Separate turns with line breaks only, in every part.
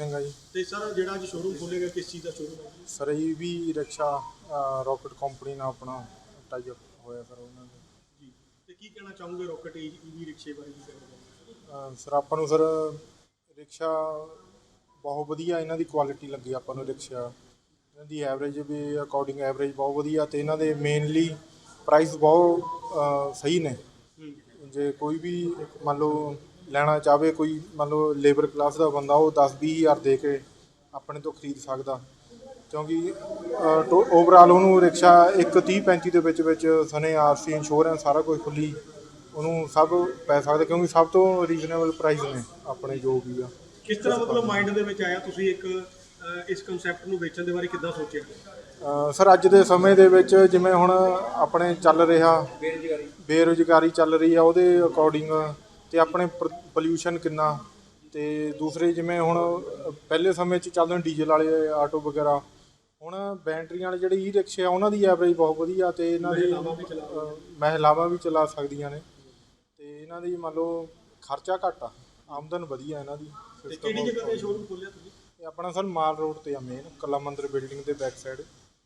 ਸਿੰਘ ਆ ਜੀ।
ਤੇ ਸਰ ਜਿਹੜਾ ਅੱਜ ਸ਼ੋਰੂਮ ਖੋਲ੍ਹੇਗਾ ਕਿਸ ਚੀਜ਼ ਦਾ ਸ਼ੋਰੂਮ ਹੈ?
Sir EV rickshaw rocket company ਨਾਲ ਆਪਣਾ ਟਾਈ ਅਪ ਹੋਇਆ ਸਰ ਉਹਨਾਂ ਨੇ
ਜੀ। ਤੇ ਕੀ ਕਹਿਣਾ ਚਾਹੋਗੇ ਰੋਕਟ EV ਰਿਕਸ਼ੇ ਬਾਰੇ? ਕੀ ਕਹਿਣਾ ਚਾਹੋਗੇ?
ਸਰ ਆਪਾਂ ਨੂੰ ਸਰ ਰਿਕਸ਼ਾ ਬਹੁਤ ਵਧੀਆ ਇਹਨਾਂ ਦੀ ਕੁਆਲਿਟੀ ਲੱਗੀ ਆਪਾਂ ਨੂੰ। ਰਿਕਸ਼ਾ ਇਹਨਾਂ ਦੀ ਐਵਰੇਜ ਵੀ ਅਕੋਰਡਿੰਗ ਐਵਰੇਜ ਬਹੁਤ ਵਧੀਆ, ਅਤੇ ਇਹਨਾਂ ਦੇ ਮੇਨਲੀ ਪ੍ਰਾਈਸ ਬਹੁਤ ਸਹੀ ਨੇ। ਜੇ ਕੋਈ ਵੀ ਮੰਨ ਲਓ ਲੈਣਾ ਚਾਹਵੇ, ਕੋਈ ਮੰਨ ਲਓ ਲੇਬਰ ਕਲਾਸ ਦਾ ਬੰਦਾ, ਉਹ 10-20 ਹਜ਼ਾਰ ਦੇ ਕੇ ਆਪਣੇ ਤੋਂ ਖਰੀਦ ਸਕਦਾ, ਕਿਉਂਕਿ ਓਵਰਆਲ ਉਹਨੂੰ ਰਿਕਸ਼ਾ ਇੱਕ 30-35 ਦੇ ਵਿੱਚ ਸਨੇ RC ਇੰਸ਼ੋਰੈਂਸ ਸਾਰਾ ਕੁਝ ਖੁੱਲੀ ਉਹਨੂੰ ਸਭ ਪੈ ਸਕਦਾ, ਕਿਉਂਕਿ ਸਭ ਤੋਂ ਰੀਜ਼ਨੇਬਲ ਪ੍ਰਾਈਸ ਨੇ ਆਪਣੇ ਜੋ ਵੀ ਆ।
ਕਿਸ ਤਰ੍ਹਾਂ ਮਤਲਬ ਮਾਈਂਡ ਦੇ ਵਿੱਚ ਆਇਆ ਤੁਸੀਂ ਇੱਕ ਇਸ ਕੰਸੈਪਟ ਨੂੰ ਵੇਚਣ ਦੇ ਬਾਰੇ ਕਿੱਦਾਂ ਸੋਚਿਆ?
ਸਰ ਅੱਜ ਦੇ ਸਮੇਂ ਦੇ ਵਿੱਚ ਜਿਵੇਂ ਹੁਣ ਆਪਣੇ ਚੱਲ ਰਿਹਾ ਬੇਰੁਜ਼ਗਾਰੀ ਚੱਲ ਰਹੀ ਆ, ਉਹਦੇ ਅਕੋਰਡਿੰਗ ਅਤੇ ਆਪਣੇ ਪੋਲਿਊਸ਼ਨ ਕਿੰਨਾ, ਅਤੇ ਦੂਸਰੇ ਜਿਵੇਂ ਹੁਣ ਪਹਿਲੇ ਸਮੇਂ 'ਚ ਚੱਲਦੇ ਡੀਜ਼ਲ ਵਾਲੇ ਆਟੋ ਵਗੈਰਾ, ਹੁਣ ਬੈਟਰੀਆਂ ਵਾਲੇ ਜਿਹੜੇ ਰਿਕਸ਼ੇ ਆ ਉਹਨਾਂ ਦੀ ਐਵਰੇਜ ਬਹੁਤ ਵਧੀਆ, ਅਤੇ ਇਹਨਾਂ ਦੀ ਮਹਿਲਾਵਾਂ ਵੀ ਚਲਾ ਸਕਦੀਆਂ ਨੇ, ਅਤੇ ਇਹਨਾਂ ਦੀ ਮੰਨ ਲਓ ਖਰਚਾ ਘੱਟ ਆ, ਆਮਦਨ ਵਧੀਆ ਇਹਨਾਂ ਦੀ।
ਕਿਹੜੀ ਜਗ੍ਹਾ 'ਤੇ ਸ਼ੋਰੂਮ ਖੋਲ੍ਹਿਆ ਤੁਸੀਂ?
ਇਹ ਆਪਣਾ ਸਰ ਮਾਲ ਰੋਡ 'ਤੇ ਆ, ਮੇਨ ਕਲਾ ਮੰਦਰ ਬਿਲਡਿੰਗ ਦੇ ਬੈਕ ਸਾਈਡ।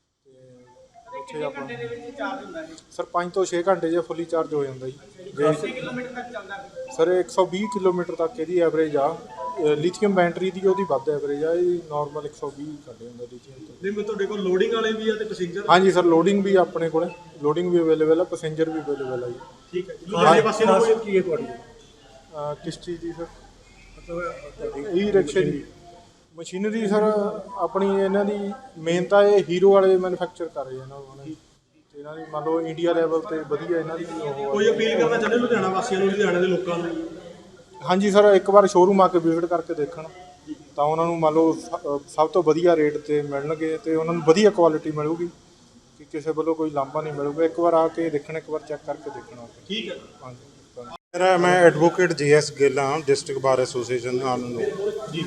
ਅਤੇ ਉੱਥੇ ਆਪਾਂ ਸਰ 5 ਤੋਂ 6 ਘੰਟੇ 'ਚ ਫੁੱਲੀ ਚਾਰਜ ਹੋ ਜਾਂਦਾ ਜੀ। ਸਰ 120 ਕਿਲੋਮੀਟਰ ਤੱਕ ਇਹਦੀ ਐਵਰੇਜ ਆ। ਲਿਥੀਅਮ ਬੈਟਰੀ ਦੀ ਉਹਦੀ ਵੱਧ ਐਵਰੇਜ ਆ, ਇਹ ਨਾਰਮਲ 120 ਕੱਢ ਜਾਂਦਾ ਲਿਥੀਅਮ ਤੋਂ।
ਨਹੀਂ, ਤੁਹਾਡੇ ਕੋਲ ਲੋਡਿੰਗ ਵਾਲੇ ਵੀ ਆ ਤੇ ਪੈਸੇਂਜਰ?
ਹਾਂਜੀ ਸਰ, ਲੋਡਿੰਗ ਵੀ ਆਪਣੇ ਕੋਲ, ਲੋਡਿੰਗ ਵੀ ਅਵੇਲੇਬਲ ਆ, ਪੈਸੇਂਜਰ ਵੀ ਅਵੇਲੇਬਲ ਆ ਜੀ।
ਠੀਕ ਹੈ। ਲੁਧਿਆਣੇ ਪਾਸੇ ਨੂੰ ਕੀ ਹੈ ਤੁਹਾਡੀ
ਕਿਸ ਚੀਜ਼ ਦੀ ਸਰ? ਮਤਲਬ ਰਿਕਸ਼ੇ ਦੀ ਮਸ਼ੀਨਰੀ ਸਰ ਆਪਣੀ ਇਹਨਾਂ ਦੀ ਮੇਨ ਤਾਂ ਇਹ ਹੀਰੋ ਵਾਲੇ ਮੈਨੂਫੈਕਚਰ ਕਰ ਰਹੇ ਇਹਨਾਂ ਨੂੰ, ਅਤੇ ਇਹਨਾਂ ਦੀ ਮੰਨ ਲਓ ਇੰਡੀਆ ਲੈਵਲ 'ਤੇ ਵਧੀਆ ਇਹਨਾਂ ਦੀ ਉਹ।
ਕੋਈ ਅਪੀਲ ਕਰਨਾ ਚਾਹੁੰਦੇ ਲੁਧਿਆਣਾ ਵਾਸੀਆਂ ਨੂੰ, ਲੁਧਿਆਣੇ ਦੇ ਲੋਕਾਂ ਨੂੰ?
ਹਾਂਜੀ ਸਰ, ਇੱਕ ਵਾਰ ਸ਼ੋਰੂਮ ਆ ਕੇ ਵਿਜ਼ਿਟ ਕਰਕੇ ਦੇਖਣ ਤਾਂ ਉਹਨਾਂ ਨੂੰ ਮੰਨ ਲਓ ਸਭ ਤੋਂ ਵਧੀਆ ਰੇਟ 'ਤੇ ਮਿਲਣਗੇ, ਅਤੇ ਉਹਨਾਂ ਨੂੰ ਵਧੀਆ ਕੁਆਲਿਟੀ ਮਿਲੂਗੀ, ਕਿ ਕਿਸੇ ਵੱਲੋਂ ਕੋਈ ਲਾਂਭਾ ਨਹੀਂ ਮਿਲੂਗਾ। ਇੱਕ ਵਾਰ ਆ ਕੇ ਦੇਖਣ, ਇੱਕ ਵਾਰ ਚੈੱਕ ਕਰਕੇ ਦੇਖਣਾ।
ਠੀਕ ਹੈ।
ਹਾਂਜੀ,
ਮੈਂ ਐਡਵੋਕੇਟ JS ਗਿੱਲ ਹਾਂ, ਡਿਸਟ੍ਰਿਕਟ ਬਾਰ ਐਸੋਸੀਏਸ਼ਨ ਨਾਲ ਨੂੰ
ਜੀ।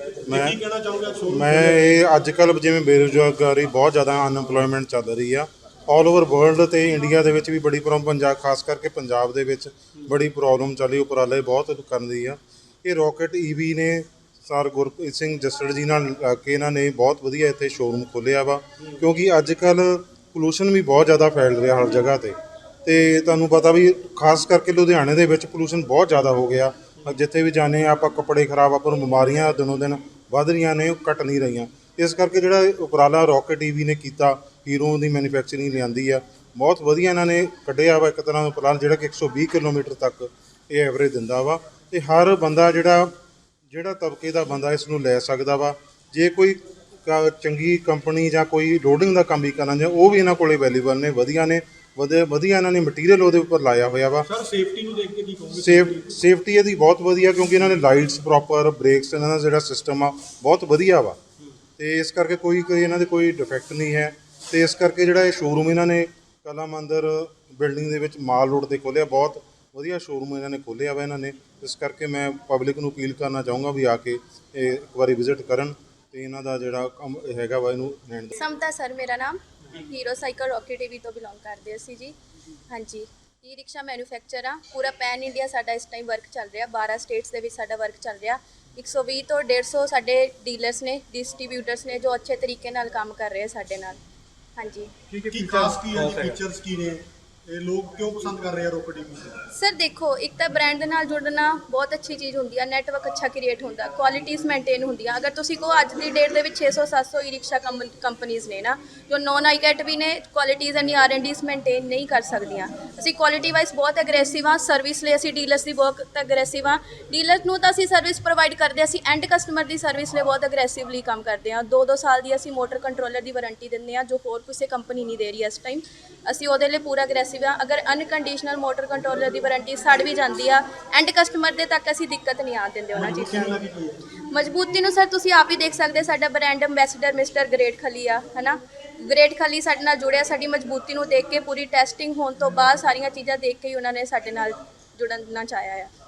ਮੈਂ ਇਹ ਅੱਜ ਕੱਲ੍ਹ ਜਿਵੇਂ ਬੇਰੁਜ਼ਗਾਰੀ ਬਹੁਤ ਜ਼ਿਆਦਾ ਅਨਐਮਪਲੋਇਮੈਂਟ ਚੱਲ ਰਹੀ ਆ ਆਲ ਓਵਰ ਵਰਲਡ, ਅਤੇ ਇੰਡੀਆ ਦੇ ਵਿੱਚ ਵੀ ਬੜੀ ਪੰਜਾਬ ਖਾਸ ਕਰਕੇ ਪੰਜਾਬ ਦੇ ਵਿੱਚ ਬੜੀ ਪ੍ਰੋਬਲਮ ਚੱਲੀ, ਉਪਰਾਲੇ ਬਹੁਤ ਕਰਨ ਦੀ ਆ। ਇਹ ਰੋਕਟ EV ਨੇ ਸਰ ਗੁਰਪ੍ਰੀਤ ਸਿੰਘ ਜੱਸੜ ਜੀ ਨਾਲ ਲੱਗ ਕੇ ਇਹਨਾਂ ਨੇ ਬਹੁਤ ਵਧੀਆ ਇੱਥੇ ਸ਼ੋਰੂਮ ਖੋਲ੍ਹਿਆ ਵਾ, ਕਿਉਂਕਿ ਅੱਜ ਕੱਲ੍ਹ ਪੋਲੂਸ਼ਨ ਵੀ ਬਹੁਤ ਜ਼ਿਆਦਾ ਫੈਲ ਰਿਹਾ ਹਰ ਜਗ੍ਹਾ 'ਤੇ, ਅਤੇ ਤੁਹਾਨੂੰ ਪਤਾ ਵੀ ਖਾਸ ਕਰਕੇ ਲੁਧਿਆਣੇ ਦੇ ਵਿੱਚ ਪੋਲੂਸ਼ਨ ਬਹੁਤ ਜ਼ਿਆਦਾ ਹੋ ਗਿਆ। ਜਿੱਥੇ ਵੀ ਜਾਂਦੇ ਹਾਂ ਆਪਾਂ, ਕੱਪੜੇ ਖਰਾਬ, ਆਪਾਂ ਨੂੰ ਬਿਮਾਰੀਆਂ ਦਿਨੋਂ ਦਿਨ ਵੱਧ ਰਹੀਆਂ ਨੇ, ਉਹ ਘਟ ਨਹੀਂ ਰਹੀਆਂ। ਇਸ ਕਰਕੇ ਜਿਹੜਾ ਉਪਰਾਲਾ ਰੋਕਟ EV ਨੇ ਕੀਤਾ, ਹੀਰੋ ਦੀ ਮੈਨੂਫੈਕਚਰਿੰਗ ਲਿਆਂਦੀ ਆ, ਬਹੁਤ ਵਧੀਆ ਇਹਨਾਂ ਨੇ ਕੱਢਿਆ ਵਾ ਇੱਕ ਤਰ੍ਹਾਂ ਦਾ ਉਪਰਾਲਾ, ਜਿਹੜਾ ਕਿ 120 ਕਿਲੋਮੀਟਰ ਤੱਕ ਇਹ ਐਵਰੇਜ ਦਿੰਦਾ ਵਾ, ਅਤੇ ਹਰ ਬੰਦਾ ਜਿਹੜਾ ਤਬਕੇ ਦਾ ਬੰਦਾ ਇਸ ਨੂੰ ਲੈ ਸਕਦਾ ਵਾ। ਜੇ ਕੋਈ ਚੰਗੀ ਕੰਪਨੀ ਜਾਂ ਕੋਈ ਲੋਡਿੰਗ ਦਾ ਕੰਮ ਵੀ ਕਰਨਾ ਚਾਹੇ, ਉਹ ਵੀ ਇਹਨਾਂ ਕੋਲ ਅਵੇਲੇਬਲ ਨੇ, ਵਧੀਆ ਨੇ, ਵਧੀਆ ਇਹਨਾਂ ਨੇ ਮਟੀਰੀਅਲ ਉਹਦੇ ਉੱਪਰ ਲਾਇਆ ਹੋਇਆ ਵਾ।
ਸਰ ਸੇਫਟੀ ਨੂੰ ਦੇਖ ਕੇ ਕੀ ਕਹੋਗੇ?
ਸੇਫਟੀ ਇਹਦੀ ਬਹੁਤ ਵਧੀਆ, ਕਿਉਂਕਿ ਇਹਨਾਂ ਨੇ ਲਾਈਟਸ ਪ੍ਰੋਪਰ, ਬ੍ਰੇਕਸ, ਇਹਨਾਂ ਦਾ ਜਿਹੜਾ ਸਿਸਟਮ ਆ ਬਹੁਤ ਵਧੀਆ ਵਾ, ਅਤੇ ਇਸ ਕਰਕੇ ਕੋਈ ਇਹਨਾਂ ਦੇ ਕੋਈ ਡਿਫੈਕਟ ਨਹੀਂ ਹੈ। ਅਤੇ ਇਸ ਕਰਕੇ ਜਿਹੜਾ ਇਹ ਸ਼ੋਰੂਮ ਇਹਨਾਂ ਨੇ ਕਲਾ ਮੰਦਰ ਬਿਲਡਿੰਗ ਦੇ ਵਿੱਚ ਮਾਲ ਰੋਡ 'ਤੇ ਖੋਲ੍ਹਿਆ, ਬਹੁਤ ਵਧੀਆ ਸ਼ੋਰੂਮ ਇਹਨਾਂ ਨੇ ਖੋਲ੍ਹਿਆ ਵਾ ਇਹਨਾਂ ਨੇ। ਇਸ ਕਰਕੇ ਮੈਂ ਪਬਲਿਕ ਨੂੰ ਅਪੀਲ ਕਰਨਾ ਚਾਹੂੰਗਾ ਵੀ ਆ ਕੇ ਇਹ ਇੱਕ ਵਾਰੀ ਵਿਜ਼ਿਟ ਕਰਨ, ਅਤੇ ਇਹਨਾਂ ਦਾ ਜਿਹੜਾ ਕੰਮ ਹੈਗਾ ਵਾ ਇਹਨੂੰ ਲੈਣ ਦਾ।
ਸਮਤਾ ਸਰ ਮੇਰਾ ਨਾਮ, ਹੀਰੋ ਸਾਈਕਲ ਰੋਕਟ EV ਤੋਂ ਬਿਲੋਂਗ ਕਰਦੇ ਅਸੀਂ ਜੀ। ਹਾਂਜੀ, ਰਿਕਸ਼ਾ ਮੈਨੂਫੈਕਚਰ ਆ, ਪੂਰਾ ਪੈਨ ਇੰਡੀਆ ਸਾਡਾ ਇਸ ਟਾਈਮ ਵਰਕ ਚੱਲ ਰਿਹਾ, 12 ਸਟੇਟਸ ਦੇ ਵਿੱਚ ਸਾਡਾ ਵਰਕ ਚੱਲ ਰਿਹਾ। 120 ਤੋਂ 150 ਸਾਡੇ ਡੀਲਰਸ ਨੇ, ਡਿਸਟਰੀਬਿਊਟਰਸ ਨੇ, ਜੋ ਅੱਛੇ ਤਰੀਕੇ ਨਾਲ ਕੰਮ ਕਰ ਰਹੇ ਆ ਸਾਡੇ ਨਾਲ। ਹਾਂਜੀ,
ਕੀ ਖਾਸ ਕੀ ਹੈ, ਫੀਚਰਸ ਕੀ ਨੇ, ਇਹ ਲੋਕ ਕਿਉਂ ਪਸੰਦ ਕਰ ਰਹੇ ਆ ਰੋਕਟ EV?
ਸਰ ਦੇਖੋ, ਇੱਕ ਤਾਂ ਬ੍ਰਾਂਡ ਦੇ ਨਾਲ ਜੁੜਨਾ ਬਹੁਤ ਅੱਛੀ ਚੀਜ਼ ਹੁੰਦੀ ਆ, ਨੈਟਵਰਕ ਅੱਛਾ ਕ੍ਰੀਏਟ ਹੁੰਦਾ, ਕੁਆਲਿਟੀਜ਼ ਮੇਨਟੇਨ ਹੁੰਦੀਆਂ। ਅਗਰ ਤੁਸੀਂ ਕਹੋ ਅੱਜ ਦੀ ਡੇਟ ਦੇ ਵਿੱਚ 600-700 ਰਿਕਸ਼ਾ ਕੰਪਨੀਜ਼ ਨੇ ਨਾ, ਜੋ ਨੌਨ ਆਈਕੈਟ ਵੀ ਨੇ, ਕੁਆਲਿਟੀਜ਼ ਐਂਡ R&Ds ਮੇਨਟੇਨ ਨਹੀਂ ਕਰ ਸਕਦੀਆਂ। ਅਸੀਂ ਕੁਆਲਿਟੀ ਵਾਈਜ਼ ਬਹੁਤ ਅਗਰੈਸਿਵ ਹਾਂ, ਸਰਵਿਸ ਲਈ ਅਸੀਂ ਡੀਲਰਸ ਦੀ ਬਹੁਤ ਅਗਰੈਸਿਵ ਹਾਂ। ਡੀਲਰਸ ਨੂੰ ਤਾਂ ਅਸੀਂ ਸਰਵਿਸ ਪ੍ਰੋਵਾਈਡ ਕਰਦੇ, ਅਸੀਂ ਐਂਡ ਕਸਟਮਰ ਦੀ ਸਰਵਿਸ ਲਈ ਬਹੁਤ ਅਗਰੈਸਿਵਲੀ ਕੰਮ ਕਰਦੇ ਹਾਂ। 2-2 ਸਾਲ ਦੀ ਅਸੀਂ ਮੋਟਰ ਕੰਟਰੋਲਰ ਦੀ ਵਾਰੰਟੀ ਦਿੰਦੇ ਹਾਂ, ਜੋ ਹੋਰ ਕਿਸੇ ਕੰਪਨੀ ਨਹੀਂ ਦੇ ਰਹੀ ਇਸ ਟਾਈਮ। ਅਸੀਂ ਉਹਦੇ ਲਈ ਪੂਰਾ ਅਗਰੈਸਿਵ ਹਾਂ। ਅਗਰ ਅਨਕੰਡੀਸ਼ਨਲ ਮੋਟਰ ਕੰਟਰੋਲਰ ਦੀ ਵਾਰੰਟੀ ਸੜ ਵੀ ਜਾਂਦੀ ਆ, ਐਂਡ ਕਸਟਮਰ ਦੇ ਤੱਕ ਅਸੀਂ ਦਿੱਕਤ ਨਹੀਂ ਆਉਣ ਦਿੰਦੇ ਉਹਨਾਂ ਚੀਜ਼ਾਂ ਦੀ। ਮਜ਼ਬੂਤੀ ਨੂੰ ਸਰ ਤੁਸੀਂ ਆਪ ਹੀ ਦੇਖ ਸਕਦੇ, ਸਾਡਾ brand ambassador mister great Khali ਆ, ਹੈ ਨਾ। ਗ੍ਰੇਟ ਖਲੀ ਸਾਡੇ ਨਾਲ ਜੁੜਿਆ, ਸਾਡੀ ਮਜ਼ਬੂਤੀ ਨੂੰ ਦੇਖ ਕੇ, ਪੂਰੀ ਟੈਸਟਿੰਗ ਹੋਣ ਤੋਂ ਬਾਅਦ ਸਾਰੀਆਂ ਚੀਜ਼ਾਂ ਦੇਖ ਕੇ ਹੀ ਉਹਨਾਂ ਨੇ ਸਾਡੇ ਨਾਲ ਜੁੜਨਾ ਚਾਹਿਆ ਆ।